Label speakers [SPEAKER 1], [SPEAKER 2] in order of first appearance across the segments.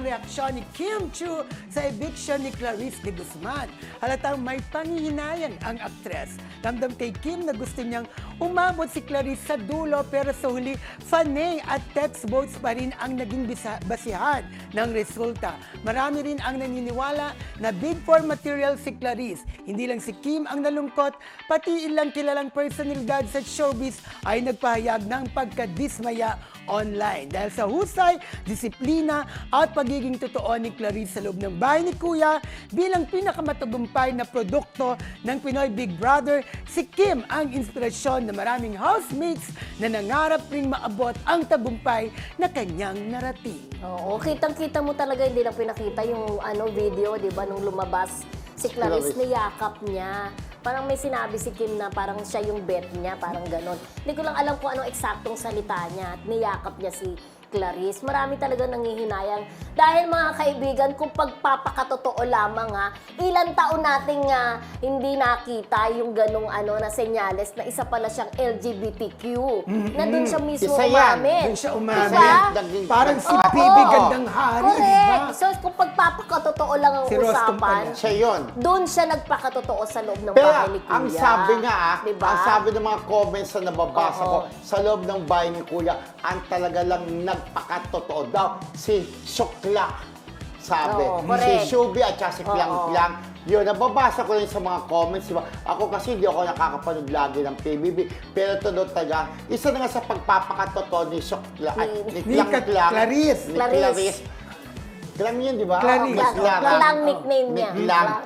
[SPEAKER 1] ang reaksyon ni Kim Chiu sa eviction ni Clarice de Guzman. Halatang may panghihinayang ang aktres. Ramdam kay Kim na gusto niyang umabot si Clarice sa dulo pero sa huli, fanay at text votes pa rin ang naging basihan ng resulta. Marami rin ang naniniwala na bid for material si Clarice. Hindi lang si Kim ang nalungkot, pati ilang kilalang personalidad sa showbiz ay nagpahayag ng pagkadismaya online. Dahil sa husay, disiplina at pagiging totoo ni Clarice sa loob ng bahay ni Kuya bilang pinakamatagumpay na produkto ng Pinoy Big Brother, si Kim ang inspirasyon na maraming housemates na nangarap ring maabot ang tagumpay na kanyang narating.
[SPEAKER 2] Oo, kitang-kita mo talaga, hindi lang pinakita yung video, di ba, nung lumabas si Clarice, niyakap niya. Parang may sinabi si Kim na parang siya yung bet niya, parang ganon. Hindi ko lang alam kung anong eksaktong salita niya at niyakap niya si Clarice. Marami talaga nangihinayang. Dahil mga kaibigan, kung pagpapakatotoo lamang ilang taon nating hindi nakita yung ganong na senyales na isa pala siyang LGBTQ. Na dun siya mismo umamin.
[SPEAKER 1] Doon siya umamin.
[SPEAKER 2] Diba?
[SPEAKER 1] Parang si Bibi Gandang Hari, di ba?
[SPEAKER 2] Correct. So kung pagpapakatotoo lang ang
[SPEAKER 1] Si Rostom
[SPEAKER 2] usapan,
[SPEAKER 1] pala.
[SPEAKER 3] Siya yun.
[SPEAKER 2] doon siya nagpakatotoo sa loob ng
[SPEAKER 3] Pero
[SPEAKER 2] bahay ni Kuya.
[SPEAKER 3] ang sabi nga,
[SPEAKER 2] diba?
[SPEAKER 3] ang sabi ng mga comments na nababasa ko, sa loob ng bahay ni Kuya, ang talaga lang nagpakatotoo daw, si Shukla. Sabi.
[SPEAKER 2] Oo,
[SPEAKER 3] Si
[SPEAKER 2] correct.
[SPEAKER 3] Shubi at saka si Piang Piang. Yun, nababasa ko rin sa mga comments. Diba? Ako kasi hindi ako nakakapanood lagi ng PBB. Pero ito talaga, isa na nga sa pagpapakatotoo ni Shukla, ni
[SPEAKER 1] Ni Clarice.
[SPEAKER 3] Ni Clarice. Clam yun, di ba?
[SPEAKER 1] Clarice.
[SPEAKER 2] Clang nickname niya.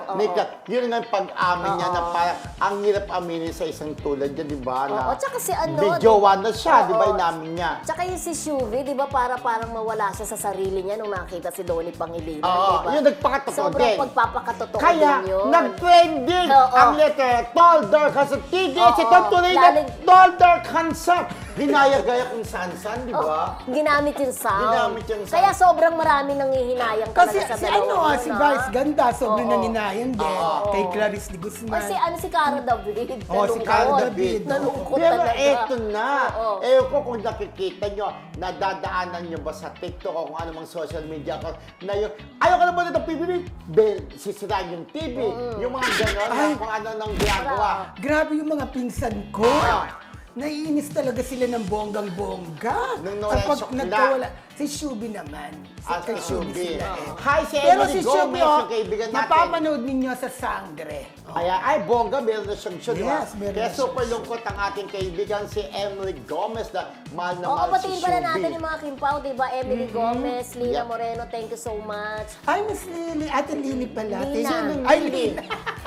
[SPEAKER 3] Yun nga yung pag-amin niya na parang ang hirap aminin sa isang tulad niya, di ba?
[SPEAKER 2] Oo, tsaka si
[SPEAKER 3] May jowa na siya, di ba? Inamin niya.
[SPEAKER 2] Tsaka yung si Shuvi, di ba, parang mawala siya sa sarili niya nung nakita si Donnie Pangilinan,
[SPEAKER 3] Oo,
[SPEAKER 2] di ba?
[SPEAKER 3] yun nagpakatotoo
[SPEAKER 2] Sobrang
[SPEAKER 3] din.
[SPEAKER 2] pagpapakatotoo
[SPEAKER 3] Kaya,
[SPEAKER 2] din yun.
[SPEAKER 3] nag-trending
[SPEAKER 2] Oo.
[SPEAKER 3] ang letter Tall Dark Handsome. TDS,
[SPEAKER 2] Oo,
[SPEAKER 3] ito tuloy na
[SPEAKER 2] lalig-
[SPEAKER 3] Tall Dark Handsome. Ginaya-gaya kung saan-saan, di ba?
[SPEAKER 2] Ginamit yung sound.
[SPEAKER 3] Ginamit yung sound.
[SPEAKER 2] Kaya sobrang marami nanghihinayang
[SPEAKER 1] Kasi
[SPEAKER 2] talaga sa
[SPEAKER 1] si
[SPEAKER 2] dalawa.
[SPEAKER 1] si Vice Ganda, sobrang
[SPEAKER 2] Oo.
[SPEAKER 1] naninayan din. Kay Clarice de Guzman.
[SPEAKER 2] Kasi si Cara David.
[SPEAKER 1] Si Cara David.
[SPEAKER 2] Nalungkot
[SPEAKER 3] Pero
[SPEAKER 2] talaga.
[SPEAKER 3] eto na.
[SPEAKER 2] Oo.
[SPEAKER 3] Ewan ko kung nakikita nyo, nadadaanan nyo ba sa TikTok o kung anumang social media account na yun, ayaw ka naman ng PBB, sisiraan yung TV, yung mga gano'n,
[SPEAKER 1] Ay.
[SPEAKER 3] kung ano nang ginagawa.
[SPEAKER 1] Grabe yung mga pinsan ko. Naiinis talaga sila ng bonggang-bongga.
[SPEAKER 3] Nung nawala
[SPEAKER 1] Kapag
[SPEAKER 3] yung
[SPEAKER 1] nagkawala. Si Shubi naman.
[SPEAKER 3] Si
[SPEAKER 1] Kay
[SPEAKER 3] Shubi.
[SPEAKER 1] sila eh.
[SPEAKER 3] Hi, si
[SPEAKER 1] Pero
[SPEAKER 3] Emily
[SPEAKER 1] si
[SPEAKER 3] Gomez,
[SPEAKER 1] Shubi,
[SPEAKER 3] yung kaibigan natin.
[SPEAKER 1] napapanood ninyo sa Sangre.
[SPEAKER 3] Kaya, ay, bongga, meron na siyang show, di ba?
[SPEAKER 1] Yes, meron
[SPEAKER 3] Kaya
[SPEAKER 1] na
[SPEAKER 3] super
[SPEAKER 1] siyang
[SPEAKER 3] lungkot ang ating kaibigan si Emily Gomez na mahal na
[SPEAKER 2] Oo,
[SPEAKER 3] mahal si
[SPEAKER 2] batiin pala natin
[SPEAKER 3] Shubi.
[SPEAKER 2] yung mga Kimpaw, di ba? Emily Gomez, Lina Moreno, thank you so much.
[SPEAKER 1] Ay, Miss Lily. Ate Lily pala.
[SPEAKER 2] Lina.
[SPEAKER 1] Sino? Ay, Lina.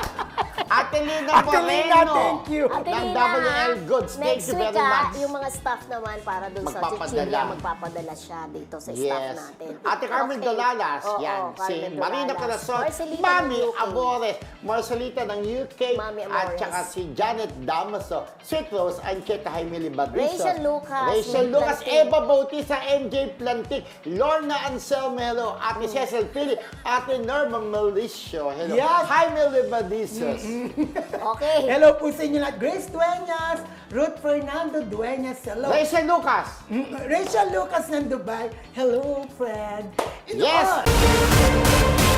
[SPEAKER 3] Ate Lina
[SPEAKER 1] Ate Lina,
[SPEAKER 3] Moreno.
[SPEAKER 1] thank you.
[SPEAKER 2] Ate
[SPEAKER 3] Ng
[SPEAKER 2] Lina,
[SPEAKER 3] WL Goods. Thank
[SPEAKER 2] next
[SPEAKER 3] you
[SPEAKER 2] week
[SPEAKER 3] very much.
[SPEAKER 2] yung mga staff naman para dun sa
[SPEAKER 3] Magpapadala.
[SPEAKER 2] Chichilla, magpapadala siya dito sa staff
[SPEAKER 3] Yes.
[SPEAKER 2] natin.
[SPEAKER 3] Ate Carmen
[SPEAKER 2] Okay.
[SPEAKER 3] Dolalas,
[SPEAKER 2] Oo,
[SPEAKER 3] yan. Si
[SPEAKER 2] Carmen
[SPEAKER 3] Marina
[SPEAKER 2] Dolalas.
[SPEAKER 3] Corazon,
[SPEAKER 2] Marcelita
[SPEAKER 3] Mami
[SPEAKER 2] ng UK.
[SPEAKER 3] Amores, Marcelita ng UK,
[SPEAKER 2] Mami
[SPEAKER 3] at
[SPEAKER 2] Amores.
[SPEAKER 3] saka si Janet Damaso, Sweet Rose, Ancheta Jaime Libadizo,
[SPEAKER 2] Rachel Lucas,
[SPEAKER 3] Rachel
[SPEAKER 2] Nick
[SPEAKER 3] Lucas,
[SPEAKER 2] Plantig.
[SPEAKER 3] Eva Bautista, MJ Plantig, Lorna Anselmero, Ate Cecil Pili, Ate Norma Melicio, hello.
[SPEAKER 1] Yes.
[SPEAKER 3] Jaime Libadizos.
[SPEAKER 2] Okay.
[SPEAKER 1] Hello po sa inyo lahat. Grace Dueñas, Ruth Fernando Dueñas, hello.
[SPEAKER 3] Rachel Lucas.
[SPEAKER 1] Rachel Lucas ng Dubai, hello, friend.
[SPEAKER 3] Yes.
[SPEAKER 1] Ito,